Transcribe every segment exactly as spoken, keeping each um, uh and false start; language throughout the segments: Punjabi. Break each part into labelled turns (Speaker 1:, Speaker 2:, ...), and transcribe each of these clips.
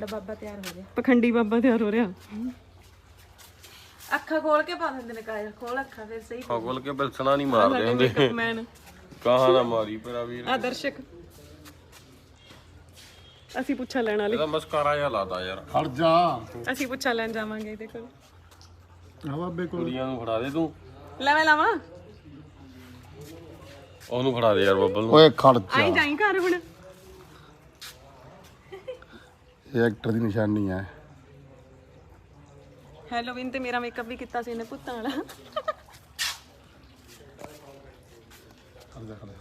Speaker 1: ਸਾਡਾ ਬਾਬਾ ਤਿਆਰ ਹੋ ਰਿਹਾ,
Speaker 2: ਪਖੰਡੀ ਬਾਬਾ ਤਿਆਰ ਹੋ ਰਿਹਾ।
Speaker 1: ਅੱਖਾਂ ਖੋਲ ਕੇ ਪਾ ਦਿੰਦੇ ਨੇ ਕਾਇਆ, ਖੋਲ ਅੱਖਾਂ ਫਿਰ ਸਹੀ
Speaker 3: ਖੋਲ ਕੇ ਬਿਲਸਣਾ ਨਹੀਂ ਮਾਰਦੇ ਹੁੰਦੇ
Speaker 2: ਮੈਨ
Speaker 3: ਕਹਾਂ ਨਾ ਮਾਰੀ ਪਰ ਆ ਵੀਰ
Speaker 2: ਆ ਦਰਸ਼ਕ ਅਸੀਂ ਪੁੱਛਾ ਲੈਣ ਵਾਲੇ
Speaker 3: ਇਹਦਾ ਮਸਕਾਰਾ ਜਿਹਾ ਲਾਤਾ ਯਾਰ
Speaker 4: ਖੜ ਜਾ
Speaker 2: ਅਸੀਂ ਪੁੱਛਾ ਲੈਣ ਜਾਵਾਂਗੇ ਇਹਦੇ ਕੋਲ।
Speaker 4: ਆ ਬਾਬੇ ਕੋਲ
Speaker 3: ਕੁੜੀਆਂ ਨੂੰ ਫੜਾ ਦੇ ਤੂੰ
Speaker 2: ਲੈ ਮੈਂ ਲਾਵਾਂ
Speaker 3: ਉਹਨੂੰ ਫੜਾ ਦੇ ਯਾਰ ਬੱਬਲ ਨੂੰ।
Speaker 4: ਓਏ ਖੜ
Speaker 2: ਆਈ
Speaker 4: ਜਾ
Speaker 2: ਜਾਈ ਘਰ ਹੁਣ।
Speaker 4: ਇਹ ਐਕਟਰ ਦੀ ਨਿਸ਼ਾਨੀ ਹੈ।
Speaker 2: ਹੈਲੋਵੀਨ ਤੇ ਮੇਰਾ ਮੇਕਅਪ ਵੀ ਕੀਤਾ ਸੀ ਇਹਨੇ ਭੁੱਤਾਂ ਵਾਲਾ।
Speaker 4: ਖੜ ਜਾ ਖੜ ਜਾ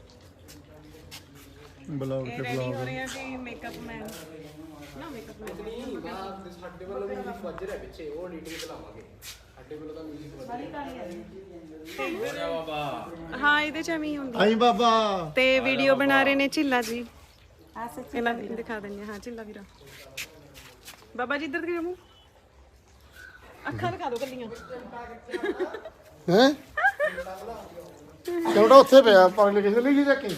Speaker 4: ਬਲੌਗ
Speaker 2: ਇਹ
Speaker 4: ਤੇ
Speaker 2: ਰੈਡੀ
Speaker 4: ਬਲੌਗ
Speaker 2: ਹੋ ਰਹੇ ਆ ਜੀ ਮੇਕਅਪ ਮੈਨ ਨਾ ਮੇਕਅਪ ਮੈਨ
Speaker 5: ਸਾਡੇ ਵੱਲੋਂ ਵੀ ਮਿਊਜ਼ਿਕ ਵੱਜ ਰਿਹਾ ਪਿੱਛੇ, ਉਹ ਐਡੀਟਿੰਗ ਤੇ ਲਾਵਾਂਗੇ। ਸਾਡੇ ਵੱਲੋਂ ਤਾਂ ਮਿਊਜ਼ਿਕ ਵੱਜ ਰਿਹਾ।
Speaker 2: ਹਾਂ ਇਹਦੇ ਚ ਐਵੇਂ ਹੀ ਹੁੰਦੀ
Speaker 4: ਆਈ ਬਾਬਾ
Speaker 2: ਤੇ ਵੀਡੀਓ ਬਣਾ ਰਹੇ ਨੇ ਝਿੱਲਾ ਜੀ। ਆ ਸੱਚ ਇਹਨਾਂ ਦੀ ਦਿਖਾ ਦਿੰਦੇ ਹਾਂ ਝਿੱਲਾ ਵੀਰਾ। ਬਾਬਾ ਜੀ ਇੱਧਰ ਦਿਖਾ ਮੂੰਹ, ਅੱਖਾਂ ਦਿਖਾ ਦਿਓ ਕੱਲੀਆਂ।
Speaker 4: ਹੈ ਕਿਉਂ ਉੱਥੇ ਪਿਆ ਪਾਣੀ ਕਿਸੇ ਲਈ ਨਹੀਂ ਚੱਕੀ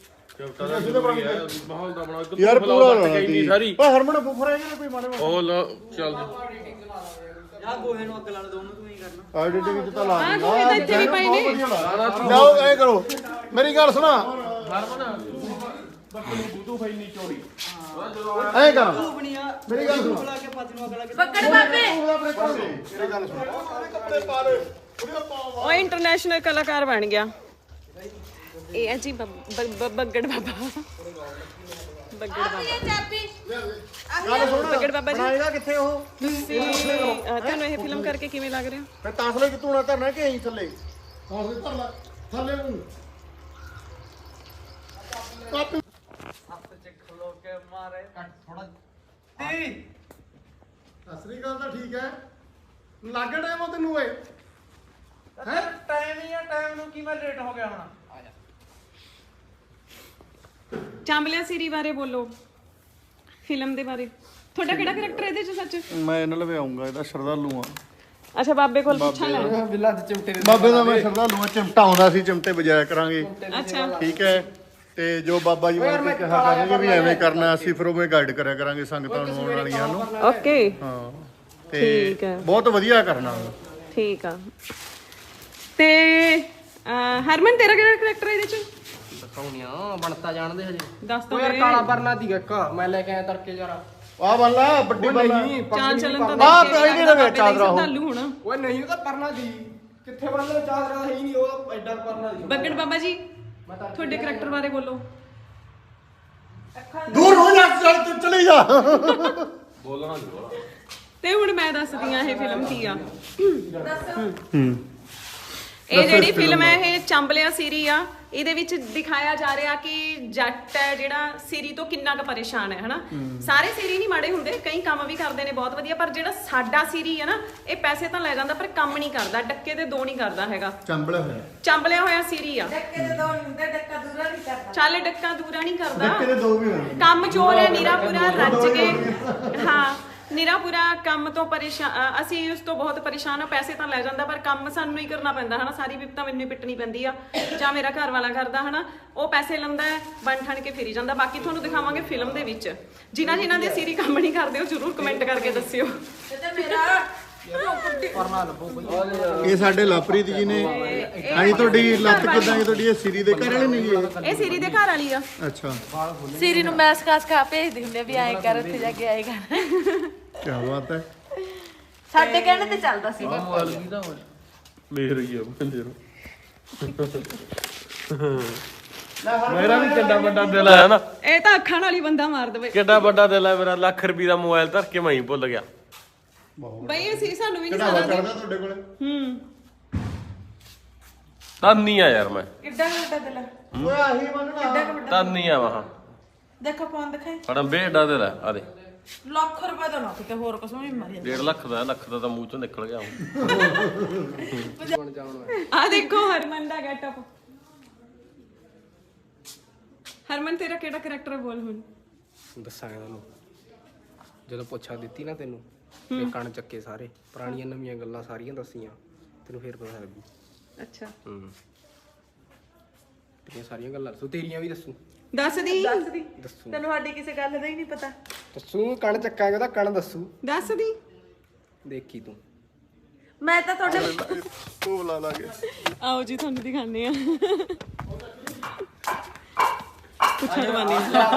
Speaker 3: ਮਾਹੌਲ ਦਾ ਬਣਾ ਇੱਧਰ
Speaker 4: ਯਾਰ ਪੂਰਾ
Speaker 3: ਇੰਨੀ ਸਾਰੀ
Speaker 4: ਓਏ ਹਰਮਨ ਬੁਖਰਾ ਜਿਹੜਾ ਕੋਈ ਮਾੜੇ
Speaker 3: ਉਹ ਲਾ ਚੱਲ
Speaker 5: ਯਾ ਗੋਹੇ ਨੂੰ ਅੱਗ ਲਾ ਦੋਨੋਂ ਤੂੰ ਹੀ ਕਰਨਾ।
Speaker 4: ਐਡੀਟਿੰਗ ਚ ਤਾਂ ਲਾ
Speaker 2: ਆਹ ਗੋਹੇ ਤਾਂ ਇੱਥੇ ਵੀ ਪਏ ਨੇ।
Speaker 4: ਲਓ ਐ ਕਰੋ ਮੇਰੀ ਗੱਲ ਸੁਣਾ
Speaker 3: ਬੂਤੂ ਫਾਈ ਨਹੀਂ ਚੋਰੀ
Speaker 4: ਐ ਕਰ ਮੇਰੀ ਗੱਲ ਸੁਣ
Speaker 1: ਬੱਗੜ ਬਾਬੇ
Speaker 4: ਮੇਰੀ ਗੱਲ ਸੁਣ ਕੱਪੜੇ ਪਾ ਲੈ ਉਹਦੇ ਪਾ
Speaker 2: ਉਹ ਇੰਟਰਨੈਸ਼ਨਲ ਕਲਾਕਾਰ ਬਣ ਗਿਆ। ਇਹ ਹੈ ਜੀ ਬੱਬ- ਬੱਬ- ਬੱਗੜ ਬਾਬਾ। ਬੱਗੜ ਬਾਬਾ
Speaker 1: ਚਾਬੀ
Speaker 4: ਗੱਲ ਸੁਣ
Speaker 2: ਬੱਗੜ ਬਾਬਾ ਜੀ
Speaker 4: ਬਣਾਏਗਾ ਕਿੱਥੇ ਉਹ
Speaker 2: ਤੁਸੀਂ ਅਹ, ਤੁਹਾਨੂੰ ਇਹ ਫਿਲਮ ਕਰਕੇ ਕਿਵੇਂ ਲੱਗ ਰਿਹਾ?
Speaker 4: ਮੈਂ ਤਾਸਲੇ ਕਿਤੋਂ ਨਾ ਧਰਨਾ ਕਿ ਐਂ ਥੱਲੇ ਤਾਸਲੇ ਧਰ ਲੈ ਥੱਲੇ ਨੂੰ ਕਾਪੀ
Speaker 5: ਹੱਥ ਚ ਖਲੋ ਕੇ ਮਾਰੇ ਕੱਟ ਥੋੜਾ ਤੀ
Speaker 4: ਅਸਲੀ ਗੱਲ ਤਾਂ ਠੀਕ ਹੈ ਲੱਗ ਟਾਈਮ ਉਹ ਤੈਨੂੰ ਓਏ
Speaker 5: ਹੈ ਟਾਈਮ ਹੀ ਆ, ਟਾਈਮ ਨੂੰ ਕੀ ਮੈਂ ਲੇਟ ਹੋ ਗਿਆ ਹੁਣ। ਆ ਜਾ
Speaker 2: ਚਾਂਬਲਿਆ ਸੀਰੀ ਬਾਰੇ ਬੋਲੋ, ਫਿਲਮ ਦੇ ਬਾਰੇ। ਤੁਹਾਡਾ ਕਿਹੜਾ ਕਰੈਕਟਰ ਇਹਦੇ ਚ ਸੱਚ?
Speaker 4: ਮੈਂ ਇਹਨਾਂ ਲਵੇ ਆਉਂਗਾ ਇਹਦਾ ਸ਼ਰਧਾਲੂ ਆ
Speaker 2: ਅੱਛਾ ਬਾਬੇ ਕੋਲ ਪੁੱਛਾਂ ਲੈ।
Speaker 5: ਬਿੱਲਾ ਦੇ ਚਿਮਟੇ ਦੇ
Speaker 4: ਬਾਬੇ ਦਾ ਮੈਂ ਸ਼ਰਧਾਲੂ ਆ ਚਿਮਟਾ ਆਉਂਦਾ ਸੀ ਚਿਮਟੇ ਵਜਾਇਆ ਕਰਾਂਗੇ
Speaker 2: ਅੱਛਾ
Speaker 4: ਠੀਕ ਹੈ ਤੇ ਜੋ ਬਾਬਾ ਜੀ ਬਣ ਕੇ ਕਿਹਾ ਕਰਨਗੇ ਵੀ ਐਵੇਂ ਕਰਨਾ ਅਸੀਂ ਫਿਰ ਉਵੇਂ ਗਾਈਡ ਕਰਿਆ ਕਰਾਂਗੇ ਸੰਗਤਾਂ ਨੂੰ ਆਉਣ ਵਾਲੀਆਂ ਨੂੰ
Speaker 2: ਓਕੇ
Speaker 4: ਹਾਂ ਤੇ
Speaker 2: ਠੀਕ ਹੈ
Speaker 4: ਬਹੁਤ ਵਧੀਆ ਕਰਨਾ
Speaker 2: ਠੀਕ ਆ। ਤੇ ਅਹ, ਹਰਮਨ ਤੇਰਾ ਕਿਹੜਾ ਕਰੈਕਟਰ ਇਹਦੇ ਚ?
Speaker 5: ਦਿਖਾਉਣੀਆਂ ਬਣਤਾ ਜਾਣਦੇ ਹਜੇ।
Speaker 2: ਦੱਸ ਦੋ
Speaker 5: ਉਹ ਯਾਰ ਕਾਲਾ ਪਰਨਾ ਦੀ ਇੱਕ ਮੈਂ ਲੈ ਕੇ ਆਇਆ ਤੜਕੇ ਯਾਰ।
Speaker 4: ਆ ਬੱਲਾ ਵੱਡੀ ਬੱਲਾ
Speaker 5: ਨਹੀਂ
Speaker 2: ਚਾਲ ਚੱਲਣ ਤਾਂ
Speaker 4: ਆਹ
Speaker 2: ਦੇਖ ਕੇ
Speaker 4: ਕੋਈ ਨਹੀਂ ਲਵੇ ਚਾਦਰਾ ਉਹ।
Speaker 2: ਸ਼ਰਧਾਲੂ ਹੋਣਾ।
Speaker 5: ਓਏ ਨਹੀਂ, ਉਹ ਤਾਂ ਪਰਨਾ ਦੀ ਕਿੱਥੇ ਬੰਨ੍ਹਣਾ ਚਾਦਰਾ ਹੈ ਹੀ ਨਹੀਂ, ਉਹ ਐਡਾ ਪਰਨਾ ਦੀ।
Speaker 2: ਬੱਗੜ ਬਾਬਾ ਜੀ ਤੁਹਾਡੇ ਕਰੈਕਟਰ ਬਾਰੇ ਬੋਲੋ।
Speaker 4: ਦੂਰ ਹੋ ਜਾ ਚੱਲ ਤੂੰ ਚਲੀ ਜਾ
Speaker 3: ਬੋਲਣਾ ਨਹੀਂ
Speaker 2: ਤੇ ਹੁਣ ਮੈਂ ਦੱਸਦੀ ਆ ਇਹ ਫਿਲਮ ਕੀ ਆ। ਇਹ ਜਿਹੜੀ ਫਿਲਮ ਹੈ ਇਹ ਚਾਂਬਲਿਆ ਸੀਰੀ ਆ। ਇਹਦੇ ਵਿੱਚ ਦਿਖਾਇਆ ਜਾ ਰਿਹਾ ਕਿ ਜੱਟ ਹੈ ਜਿਹੜਾ ਸੀਰੀ ਤੋਂ ਕਿੰਨਾ ਕੁ ਪਰੇਸ਼ਾਨ ਹੈ ਹਨਾ। ਸਾਰੇ ਸੀਰੀ ਨਹੀਂ ਮਾੜੇ ਹੁੰਦੇ, ਕਈ ਕੰਮ ਵੀ ਕਰਦੇ ਨੇ ਬਹੁਤ ਵਧੀਆ, ਪਰ ਜਿਹੜਾ ਸਾਡਾ ਸੀਰੀ ਹੈ ਨਾ ਇਹ ਪੈਸੇ ਤਾਂ ਲੈ ਜਾਂਦਾ ਪਰ ਕੰਮ ਨਹੀਂ ਕਰਦਾ, ਡੱਕੇ ਦੇ ਦੋ ਨਹੀਂ ਕਰਦਾ ਹੈਗਾ।
Speaker 4: ਚੰਬਲਿਆ ਹੋਇਆ
Speaker 2: ਚਾਂਬਲਿਆ ਹੋਇਆ ਸੀਰੀ ਆ।
Speaker 1: ਡੱਕੇ ਦੇ ਦੋ ਹੁੰਦੇ, ਡੱਕਾ ਦੂਰਾ ਨਹੀਂ ਕਰਦਾ।
Speaker 2: ਚੱਲ ਡੱਕਾ ਦੂਰਾ ਨਹੀਂ ਕਰਦਾ,
Speaker 4: ਡੱਕੇ ਦੇ ਦੋ ਵੀ ਹੋਣੇ
Speaker 2: ਕੰਮ ਚੋਰ ਹੈ ਨੀਰਾ ਪੂਰਾ ਰੱਜ ਕੇ। ਹਾਂ ਨੀਰਾ ਪੂਰਾ ਕੰਮ ਤੋਂ ਪਰੇਸ਼ਾਨ, ਅਸੀਂ ਉਸ ਤੋਂ ਬਹੁਤ ਪਰੇਸ਼ਾਨ ਆ। ਪੈਸੇ ਤਾਂ ਲੈ ਜਾਂਦਾ ਪਰ ਕੰਮ ਸਾਨੂੰ ਹੀ ਕਰਨਾ ਪੈਂਦਾ ਹਨਾ। ਸਾਰੀ ਵਿਪਤਾ ਮੈਨੂੰ ਹੀ ਪਿੱਟਣੀ ਪੈਂਦੀ ਆ ਜਾਂ ਮੇਰਾ ਘਰ ਵਾਲਾ ਕਰਦਾ ਹਨਾ। ਉਹ ਪੈਸੇ ਲੈਂਦਾ ਬਣ ਠਣ ਕੇ ਫਿਰੀ ਜਾਂਦਾ। ਬਾਕੀ ਤੁਹਾਨੂੰ ਦਿਖਾਵਾਂਗੇ ਫਿਲਮ ਦੇ ਵਿੱਚ। ਜਿਨ੍ਹਾਂ ਜਿਨ੍ਹਾਂ ਦੇ ਸੀਰੀ ਕੰਮ ਨਹੀਂ ਕਰਦੇ ਉਹ ਜ਼ਰੂਰ ਕਮੈਂਟ ਕਰਕੇ ਦੱਸਿਓ।
Speaker 1: ਤੇ ਮੇਰਾ
Speaker 5: ਪਰਨਾ ਲੱਭੋ ਬਈ।
Speaker 4: ਇਹ ਸਾਡੇ ਲਵਪ੍ਰੀਤ ਜੀ ਨੇ ਆਈ ਤੁਹਾਡੀ ਲੱਤ ਕਿਦਾਂ ਹੈ ਤੁਹਾਡੀ ਇਹ ਸਿਰੀ ਦੇ ਘਰ ਵਾਲੇ ਨੇ ਜੀ ਇਹ?
Speaker 2: ਇਹ ਸੀਰੀ ਦੇ ਘਰ ਵਾਲੀ ਆ।
Speaker 4: ਅੱਛਾ
Speaker 1: ਸੀਰੀ ਨੂੰ ਮੈਸ ਖਾਸ ਖਾ ਭੇਜਦੇ ਹੁੰਦੇ ਵੀ ਆਏ ਕਰ ਉੱਥੇ ਜਾ ਕੇ ਆਏਗਾ।
Speaker 4: ਕੀ ਬਾਤ ਹੈ
Speaker 1: ਸਾਡੇ ਕਹਿਣੇ ਤੇ ਚੱਲਦਾ ਸੀ।
Speaker 3: ਮੇਰ ਹੀ ਆ ਬੰਦੇ ਨੂੰ ਮੇਰਾ ਵੀ ਕਿੱਡਾ ਵੱਡਾ ਦਿਲ ਹੈ ਨਾ।
Speaker 2: ਇਹ ਤਾਂ ਅੱਖਾਂ ਨਾਲ ਹੀ ਬੰਦਾ ਮਾਰ ਦੇਵੇ।
Speaker 3: ਕਿੱਡਾ ਵੱਡਾ ਦਿਲ ਹੈ ਮੇਰਾ। ਲੱਖ ਰੁਪਏ ਦਾ ਮੋਬਾਈਲ ਧਰ ਕੇ ਮੈਂ ਹੀ ਭੁੱਲ ਗਿਆ।
Speaker 2: ਬਈ ਅਸੀਂ ਸਾਨੂੰ ਵੀ ਨਹੀਂ
Speaker 4: ਕਿਹੜਾ
Speaker 2: ਸਾਰਾ
Speaker 4: ਚੜਦਾ ਤੁਹਾਡੇ ਕੋਲੇ
Speaker 2: ਹੂੰ
Speaker 3: ਤਾਨੀ ਆ ਯਾਰ ਮੈਂ
Speaker 1: ਕਿੱਡਾ ਵੱਡਾ ਦਿਲ ਹੈ,
Speaker 4: ਓਏ ਆਹੀ ਮੰਨਣਾ
Speaker 3: ਤਾਨੀ ਆ ਵਾਹ
Speaker 1: ਦੇਖੋ ਫੋਨ ਦਿਖਾਈ।
Speaker 3: ਬੜਾ ਬੇੜਾ ਦਿਲ ਹੈ। ਆ ਦੇ
Speaker 1: ਲੱਖ ਰੁਪਏ ਦਾ ਨਾ ਕਿਤੇ ਹੋਰ ਕੁਛ ਵੀ ਮਾਰੀ
Speaker 3: ਡੇਢ ਲੱਖ ਦਾ ਲੱਖ ਦਾ ਤਾਂ ਮੂੰਹ ਚੋਂ ਨਿਕਲ ਗਿਆ ਹੁਣ।
Speaker 5: ਬਣ ਜਾਣ
Speaker 2: ਆ ਦੇਖੋ ਹਰਮਨ ਦਾ ਗੈਟਅਪ। ਹਰਮਨ ਤੇਰਾ ਕਿਹੜਾ ਕਰੈਕਟਰ ਬੋਲ ਹੁਣ।
Speaker 5: ਦੱਸਾਂਗਾ ਤੁਹਾਨੂੰ ਜਦੋਂ ਪੁੱਛਾ ਦਿੱਤੀ ਨਾ ਤੈਨੂੰ ਤੇ ਕਣ ਚੱਕੇ ਸਾਰੇ ਪੁਰਾਣੀਆਂ ਨਵੀਆਂ ਗੱਲਾਂ ਸਾਰੀਆਂ ਦੱਸੀਆਂ ਤੈਨੂੰ ਫੇਰ ਪਤਾ ਲੱਗੂ।
Speaker 2: ਅੱਛਾ
Speaker 5: ਹੂੰ ਤੇਰੀਆਂ ਸਾਰੀਆਂ ਗੱਲਾਂ ਦੱਸੂ, ਤੇਰੀਆਂ ਵੀ ਦੱਸੂ।
Speaker 2: ਦੱਸ ਦੀ
Speaker 5: ਦੱਸੂ
Speaker 1: ਤੈਨੂੰ ਸਾਡੀ ਕਿਸੇ ਗੱਲ ਦਾ ਹੀ ਨਹੀਂ ਪਤਾ।
Speaker 5: ਦੱਸੂ ਕਣ ਚੱਕਾਂਗੇ ਉਹਦਾ ਕਣ ਦੱਸੂ
Speaker 2: ਦੱਸ ਦੀ
Speaker 5: ਦੇਖੀ ਤੂੰ
Speaker 1: ਮੈਂ ਤਾਂ ਤੁਹਾਡੇ
Speaker 4: ਉਹ ਲਾ ਲਾਂਗੇ
Speaker 2: ਆਓ ਜੀ ਤੁਹਾਨੂੰ ਦਿਖਾਉਂਦੇ ਆ ਪੁੱਛਾ ਦਵਾਨੀ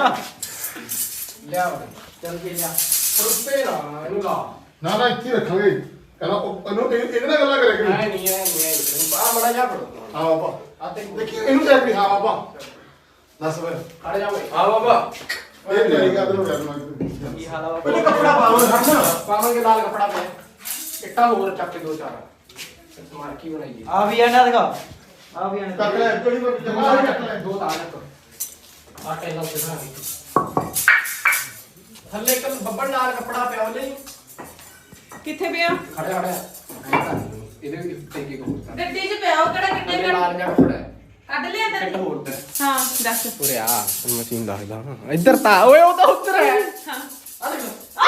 Speaker 5: ਲਿਆ ਚੱਲ ਕੇ ਲਿਆ ਰੁਪਏ ਨਾ ਇਹਨੂੰ ਲਾ
Speaker 4: ਨਾ ਨਾ ਇੱਥੇ ਰੱਖਾਂਗੇ ਕਹਿੰਦਾ ਉਹ ਇਹਨੂੰ ਇਹ- ਇਹਦੇ ਨਾਲ ਗੱਲਾਂ ਕਰਿਆ ਕਰੀ
Speaker 5: ਐ ਨਹੀਂ ਐ ਨਹੀਂ ਐ ਆ ਮੜਾ ਜਾ ਪੜੋ
Speaker 4: ਹਾਂ ਬਾਬਾ
Speaker 5: ਆ ਤੇ
Speaker 4: ਦੇਖੀ ਇਹਨੂੰ ਦੇਖ ਵੀ ਹਾਂ ਬਾਬਾ ਦੱਸ ਵੇ
Speaker 5: ਖੜ ਜਾ ਓਏ ਆ ਬਾਬਾ
Speaker 4: ਇਹ ਤੇਰੀ ਗੱਲ ਨੂੰ ਕਰਨਾ
Speaker 5: ਕੀ ਹਾਲ ਆ
Speaker 4: ਪਹਿਲੇ ਕੱਪੜਾ ਪਾਵੋ ਹੱਥ
Speaker 5: ਪਾਵਾਂਗੇ ਲਾਲ ਕਪੜਾ ਪਿਆ ਇੱਟਾਂ ਹੋਰ ਚੱਕ ਕੇ ਦੋ ਚਾਰ ਸਮਾਰ ਕੀ ਬਣਾਈਏ
Speaker 6: ਆ ਵੀ ਆਣਾ ਦਿਖਾ ਆ ਵੀ ਆਣਾ
Speaker 4: ਕੱਟ ਲੈ ਜਿਹੜੀ ਕੋਈ ਜਮਾ ਕੱਟ ਲੈ
Speaker 5: ਦੋ ਤਾਂ ਰੱਖ ਆ ਟੈਲਾ ਉੱਤੇ ਬਣਾ ਦੇ ਥੱਲੇ ਇੱਕ ਬੱਬਲ ਲਾਲ ਕਪੜਾ ਪਿਆ ਉਹਨੇ
Speaker 2: ਕਿੱਥੇ ਪਿਆ
Speaker 5: ਖੜਿਆ ਖੜਿਆ ਇਹਦੇ ਵੀ ਟੇਕੇ ਕੋ ਹੋਰ
Speaker 1: ਗੱਡੀ 'ਚ ਪਿਆ ਉਹ ਕਿਹੜਾ ਕਿੱਡੇ
Speaker 5: ਲਾਲ ਜਿਹਾ ਕਪੜਾ ਹੈ
Speaker 1: ਕੱਢ ਲਿਆ
Speaker 5: ਇੱਕ
Speaker 1: ਤੈਨੂੰ।
Speaker 5: ਹੋਰ ਤੇ
Speaker 2: ਹਾਂ ਦੱਸ
Speaker 5: ਉਰੇ ਆ ਮਸ਼ੀਨ ਦੱਸਦਾ ਇੱਧਰ ਤਾਂ ਓਏ ਉਹ ਤਾਂ ਉੱਧਰ ਹੈ
Speaker 2: ਹਾਂ
Speaker 5: ਆ ਦੇਖ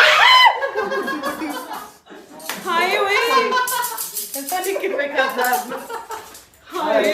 Speaker 2: ਹਾਏ ਓਏ
Speaker 1: ਪਤਾ ਨਹੀਂ ਕਿਵੇਂ ਕਰਦਾ।
Speaker 2: ਹਾਏ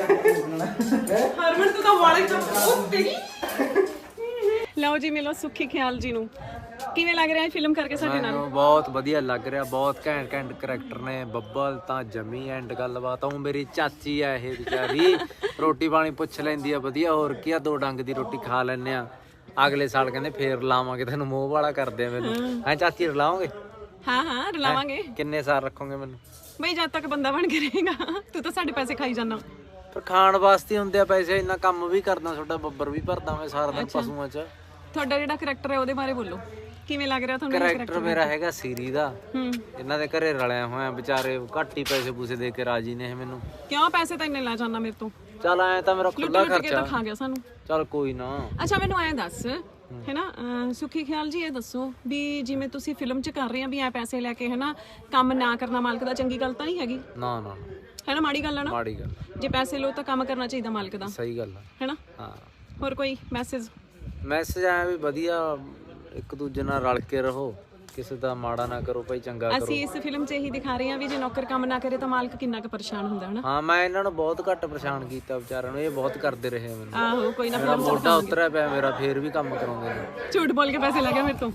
Speaker 2: ਹਰਮਨ ਤੂੰ ਤਾਂ ਵਾਲੇ ਤੋਂ ਉਹ ਤੇਰੀ ਲਓ ਜੀ ਮਿਲੋ ਸੁੱਖੀ ਖਿਆਲ ਜੀ ਨੂੰ ਕਿਵੇਂ ਲੱਗ ਰਿਹਾ ਹੈ ਫਿਲਮ ਕਰਕੇ ਸਾਡੇ ਨਾਲ
Speaker 6: ਮੈਨੂੰ ਬਹੁਤ ਵਧੀਆ ਲੱਗ ਰਿਹਾ, ਬਹੁਤ ਘੈਂਟ ਘੈਂਟ ਕਰੈਕਟਰ ਨੇ। ਬੱਬਲ ਤਾਂ ਜਮੀ ਐਂਡ ਗੱਲਬਾਤ। ਉਹ ਮੇਰੀ ਚਾਚੀ ਆ ਇਹ ਵਿਚਾਰੀ, ਰੋਟੀ ਪਾਣੀ ਪੁੱਛ ਲੈਂਦੀ ਆ ਵਧੀਆ, ਹੋਰ ਕੀ ਆ, ਦੋ ਡੰਗ ਦੀ ਰੋਟੀ ਖਾ ਲੈਂਦੇ ਆ। ਅਗਲੇ ਸਾਲ ਕਹਿੰਦੇ ਫੇਰ ਲਾਵਾਂਗੇ ਤੈਨੂੰ, ਮੋਹ ਵਾਲਾ ਕਰਦੇ ਆ ਮੈਨੂੰ। ਹੈਂ ਚਾਚੀ ਰਲਾਓਗੇ?
Speaker 2: ਹਾਂ ਹਾਂ ਰਲਾਵਾਂਗੇ।
Speaker 6: ਕਿੰਨੇ ਸਾਲ ਰੱਖੋਗੇ ਮੈਨੂੰ?
Speaker 2: ਬਈ ਜਦ ਤੱਕ ਬੰਦਾ ਬਣ ਕੇ ਰਹੇਗਾ। ਤੂੰ ਤਾਂ ਸਾਡੇ ਪੈਸੇ ਖਾਈ ਜਾਂਦਾ।
Speaker 6: ਪਰ ਖਾਣ ਵਾਸਤੇ ਹੁੰਦੇ ਆ ਪੈਸੇ, ਇੰਨਾ ਕੰਮ ਵੀ ਕਰਦਾ, ਤੁਹਾਡਾ ਬੱਬਰ ਵੀ ਭਰਦਾ ਮੈਂ ਸਾਰਾ ਦਿਨ ਪਸ਼ੂਆਂ 'ਚ।
Speaker 2: ਤੁਹਾਡਾ ਜਿਹੜਾ ਕਰੈਕਟਰ ਹੈ ਉਹਦੇ ਬਾਰੇ ਬੋਲੋ, ਕਿਵੇਂ ਲੱਗ ਰਿਹਾ ਤੁਹਾਨੂੰ
Speaker 6: ਕਰੈਕਟਰ ਮੇਰਾ ਹੈਗਾ ਸੀਰੀ ਦਾ।
Speaker 2: ਹੂੰ
Speaker 6: ਇਹਨਾਂ ਦੇ ਘਰੇ ਰਲਿਆ ਹੋਇਆ, ਵਿਚਾਰੇ ਘੱਟ ਹੀ ਪੈਸੇ ਪੂਸੇ ਦੇ ਕੇ ਰਾਜੀ ਨੇ ਇਹ ਮੈਨੂੰ।
Speaker 2: ਕਿਉਂ ਪੈਸੇ ਤਾਂ ਇੰਨੇ ਲੈ ਜਾਂਦਾ ਮੇਰੇ ਤੋਂ?
Speaker 6: ਚੱਲ ਐ ਤਾਂ ਮੇਰਾ ਖੁੱਲਾ
Speaker 2: ਲੁੱਟ ਕੇ ਤਾਂ
Speaker 6: ਖਰਚਾ।
Speaker 2: ਖਾ ਗਿਆ ਸਾਨੂੰ।
Speaker 6: ਚੱਲ ਕੋਈ ਨਾ।
Speaker 2: ਅੱਛਾ ਮੈਨੂੰ ਐਂ ਦੱਸ ਹੈਨਾ ਅਹ ਸੁਖੀ ਖਿਆਲ ਜੀ ਇਹ ਦੱਸੋ ਵੀ ਜਿਵੇਂ ਤੁਸੀਂ ਫਿਲਮ 'ਚ ਕਰ ਰਹੇ ਆ ਵੀ ਐ ਪੈਸੇ ਲੈ ਕੇ ਹੈਨਾ ਕੰਮ ਨਾ ਕਰਨਾ ਮਾਲਕ ਦਾ ਚੰਗੀ ਗੱਲ ਤਾਂ ਨਹੀਂ ਹੈਗੀ?
Speaker 6: ਨਾ ਨਾ
Speaker 2: ਹੈਨਾ ਮਾੜੀ ਗੱਲ ਹੈ ਨਾ?
Speaker 6: ਮਾੜੀ ਗੱਲ,
Speaker 2: ਜੇ ਪੈਸੇ ਲੋ ਤਾਂ ਕੰਮ ਕਰਨਾ ਚਾਹੀਦਾ ਮਾਲਕ ਦਾ,
Speaker 6: ਸਹੀ ਗੱਲ ਆ।
Speaker 2: ਹੈਨਾ?
Speaker 6: ਹਾਂ
Speaker 2: ਹੋਰ ਕੋਈ ਮੈਸੇਜ?
Speaker 6: ਮੈਸੇਜ ਆਇਆ ਵੀ ਵਧੀਆ ਇੱਕ ਦੂਜੇ ਨਾਲ ਰਲ ਕੇ ਰਹੋ, ਕਿਸੇ ਦਾ ਮਾੜਾ ਨਾ ਕਰੋ ਭਾਈ, ਚੰਗਾ ਕਰੋ।
Speaker 2: ਅਸੀਂ ਇਸ ਫਿਲਮ 'ਚ ਇਹੀ ਦਿਖਾ ਰਹੇ ਹਾਂ ਵੀ ਜੇ ਨੌਕਰ ਕੰਮ ਨਾ ਕਰੇ ਤਾਂ ਮਾਲਕ ਕਿੰਨਾ ਕੁ ਪਰੇਸ਼ਾਨ ਹੁੰਦਾ ਹੈ।
Speaker 6: ਹਾਂ ਮੈਂ ਇਹਨਾਂ ਨੂੰ ਬਹੁਤ ਘੱਟ ਪਰੇਸ਼ਾਨ ਕੀਤਾ ਵਿਚਾਰਿਆਂ ਨੂੰ, ਇਹ ਬਹੁਤ ਕਰਦੇ ਰਹੇ ਮੈਨੂੰ।
Speaker 2: ਆਹੋ ਕੋਈ ਨਾ
Speaker 6: ਮੇਰਾ ਮੋਢਾ ਉਤਰਿਆ ਪਿਆ ਮੇਰਾ, ਫੇਰ ਵੀ ਕੰਮ ਕਰਾਉਂਦੇ ਨੇ।
Speaker 2: ਝੂਠ ਬੋਲ ਕੇ ਪੈਸੇ ਲੈ ਗਿਆ ਮੇਰੇ ਤੋਂ।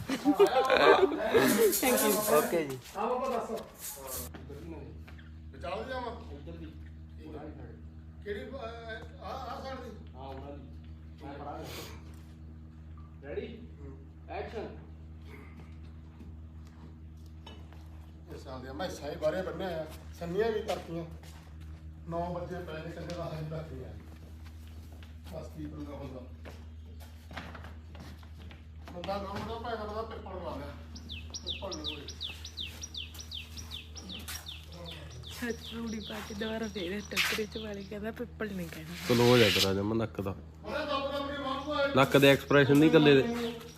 Speaker 2: Thank you.
Speaker 6: ਓਕੇ ਜੀ।
Speaker 4: ਵਿਚਾਲ ਜਾਵਾਂ ਕਿਹੜੀ ਆ ਆ ਸਾਈਡ ਦੀ
Speaker 5: ਹਾਂ ਉਹਨਾਂ ਦੀ ਮੈਂ ਖੜਾ ਰੈਡੀ ਐਕਸ਼ਨ
Speaker 4: ਇਸ ਸਾਲ ਦੇ ਮੈਂ ਸਾਈ ਬਾਰੇ ਬੰਨਿਆ ਆ, ਸੰਨੀਆਂ ਵੀ ਕਰਤੀਆਂ। ਨੌ ਵਜੇ ਪੈ ਨੇ ਕੰਦੇ ਦਾ ਹਾਲ ਤੱਕ ਆ ਬਸ ਕੀ ਬੰਦਾ ਹੁੰਦਾ ਬੰਦਾ ਕੰਮ ਦਾ ਪੈ ਕਰਦਾ ਪੇਪਰ ਲਾ ਲਿਆ ਪੇਪਰ ਨਹੀਂ ਹੋਏ।
Speaker 1: ਰੂੜੀ ਪਾ ਕੇ ਦੁਬਾਰਾ ਦੇ ਦੇ ਟੱਕਰੇ 'ਚ ਵਾਲੇ ਕਹਿੰਦਾ ਪਿੱਪਲ ਨਹੀਂ ਕਹਿਣਾ।
Speaker 3: ਚਲੋ ਹੋ ਜਾ ਕਰਾ ਜਮਾ ਨੱਕ ਦਾ, ਨੱਕ ਦੇ ਐਕਸਪ੍ਰੈਸ਼ਨ ਨਹੀਂ ਕੱਲੇ ਦੇ।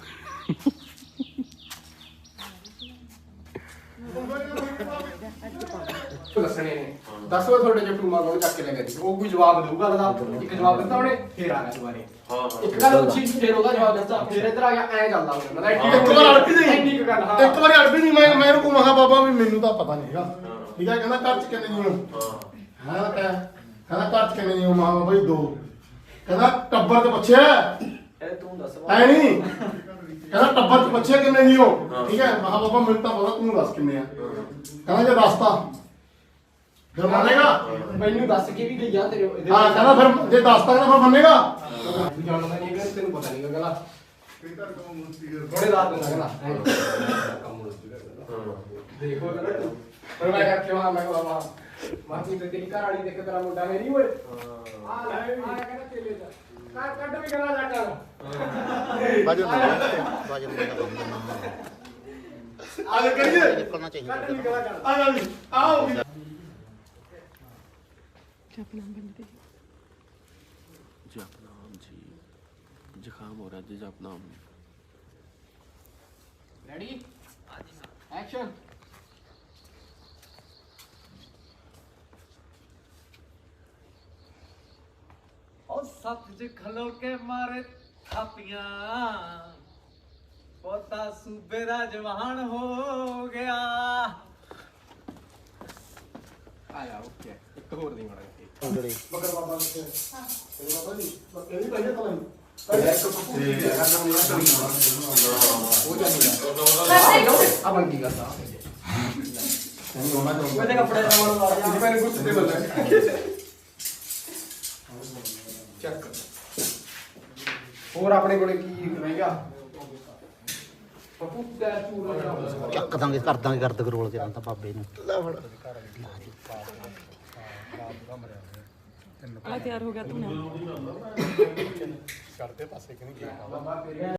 Speaker 5: ਦੱਸਣੇ ਨੇ ਦੱਸੋ ਤੁਹਾਡੇ ਜੇ ਟੂਮਾ ਕੋਲ ਚੱਕ ਕੇ ਲੈ ਗਏ ਉਹ ਕੋਈ ਜਵਾਬ ਦੇਊਗਾ ਲਦਾ ਇੱਕ ਜਵਾਬ ਦਿੱਤਾ ਉਹਨੇ ਫੇਰ ਆ ਗਿਆ ਦੁਬਾਰੇ ਹਾਂ ਇੱਕ ਗੱਲ ਉੱਚੀ ਫੇਰ ਉਹਦਾ ਜਵਾਬ ਦਿੱਤਾ ਫੇਰ ਇੱਧਰ ਆ ਗਿਆ ਐ ਚੱਲਦਾ ਹੁੰਦਾ ਮਤਲਬ
Speaker 4: ਇੱਕ ਵਾਰ ਅੜਪੀ ਨਹੀਂ
Speaker 5: ਇੰਨੀ ਕੁ ਗੱਲ ਹਾਂ
Speaker 4: ਇੱਕ ਵਾਰੀ ਅੜਪੀ ਨਹੀਂ ਮੈਂ ਮੈਂ ਇਹਨੂੰ ਮਹਾ ਬਾਬਾ ਵੀ ਮੈਨੂੰ ਤਾਂ ਪਤਾ ਨਹੀਂ ਹੈਗਾ ਠੀਕ ਹੈ। ਕਹਿੰਦਾ ਘਰ ਚ ਕਿੰਨੇ ਜੀ ਹੋ? ਹਾਂ ਕਹਿੰਦਾ ਘਰ ਚ ਕਿੰਨੇ ਜੀ ਹੋ? ਮਹਾ ਬਾਬਾ ਜੀ ਦੋ। ਕਹਿੰਦਾ ਟੱਬਰ ਤੇ ਪੁੱਛਿਆ
Speaker 6: ਇਹ ਤੂੰ ਦੱਸ।
Speaker 4: ਐ ਨਹੀਂ ਕਹਿੰਦਾ ਟੱਬਰ ਚ ਪੁੱਛਿਆ ਕਿੰਨੇ ਜੀ ਹੋ? ਠੀਕ ਹੈ ਮਹਾ ਬਾਬਾ ਮੈਨੂੰ ਤਾਂ ਪਤਾ, ਤੂੰ ਦੱਸ ਕਿੰਨੇ ਆ? ਕਹਿੰਦਾ ਜੇ ਦੱਸਤਾ ਫਿਰ ਮੰਨੇਗਾ?
Speaker 5: ਮੈਨੂੰ ਦੱਸ ਕੇ ਵੀ ਗਈ ਆ ਤੇਰੇ
Speaker 4: ਹਾਂ ਕਹਿੰਦਾ ਫਿਰ ਜੇ ਦੱਸਤਾ ਕਹਿੰਦਾ ਫਿਰ ਮੰਨੇਗਾ?
Speaker 5: ਤੂੰ ਜਾਣਦਾ ਨਹੀਂ ਕਿ ਤੈਨੂੰ ਪਤਾ ਨਹੀਂ ਕਹਿੰਦਾ ਥੋੜੇ ਰਾਤ ਨੂੰ ਕਹਿੰਦਾ ਦੇਖੋ ਕਹਿੰਦਾ ਤੂੰ ਪਰ ਮੈਂ ਕਰਕੇ ਵਾ ਮੈਂ ਬਾਬਾ ਮਾਤੀ ਤੇ ਤੇਰੀ ਘਰ ਵਾਲੀ ਦੇਖ ਤੇਰਾ ਮੁੰਡਾ ਮੇਰੀ ਓਏ ਆ ਲੈ ਆ ਕਹਿੰਦਾ ਤੇਲੇ ਦਾ ਕੱਢ ਕੱਢ ਵੀ ਕਰਾ ਜਾ ਕਰ
Speaker 4: ਬਾਜੂ ਬਾਜੂ ਆ ਲੈ ਕਰੀਏ ਕਰਨਾ ਚਾਹੀਦਾ
Speaker 5: ਕੱਢ ਵੀ ਕਰਾ ਕਰ
Speaker 4: ਆ ਜਾ ਵੀ ਆਓ
Speaker 2: ਜਪਨਾਮ ਬੰਦੇ
Speaker 3: ਜਪਨਾਮ ਜੀ, ਜ਼ੁਕਾਮ ਹੋ ਰਿਹਾ ਜੀ, ਜਪਨਾਮ।
Speaker 5: ਰੈਡੀ ਐਕਸ਼ਨ
Speaker 6: ਉਹ ਸੱਤ ਖਲੋ ਕੇ ਮਾਰੇ ਥਾਪੀਆਂ, ਪੋਤਾ ਸੂਬੇ ਦਾ ਜਵਾਨ ਹੋ ਗਿਆ।
Speaker 5: ਆਇਆ ਓਕੇ ਇੱਕ ਹੋਰ ਨਹੀਂ ਮੜਾ
Speaker 4: ਮਗਰ ਬਾਬਾ ਨੇ ਕਿਹਾ ਬਾਬਾ ਜੀ ਇਹਦੀ ਪਹਿਲੇ ਤਾਂ
Speaker 5: ਆ ਬੰਦੀ ਕਰਦਾ
Speaker 4: ਤੈਨੂੰ ਉਹਨਾਂ ਤੋਂ
Speaker 5: ਉਹਦੇ ਕੱਪੜੇ ਦਾ ਮਨ ਲਾ ਜਾ ਮੈਨੂੰ ਕੁਝ ਦੇ ਬੱਲੇ ਚੱਕ ਹੋਰ ਆਪਣੇ ਕੋਲੇ ਕੀ ਮਹਿੰਗਾ ਪਪੂ ਦਾ ਚੂਰਾ ਜਿਹੜਾ
Speaker 7: ਚੱਕ ਦਾਂਗੇ ਕਰ ਦਾਂਗੇ ਗਰਦ ਕਰੋਲ ਕੇ ਤਾਂ ਬਾਬੇ ਨੂੰ
Speaker 1: ਆ ਤਿਆਰ ਹੋ ਗਿਆ ਤੂੰ
Speaker 5: ਕਰਦੇ ਪਾਸੇ ਕਿ ਨਹੀਂ ਗਿਆ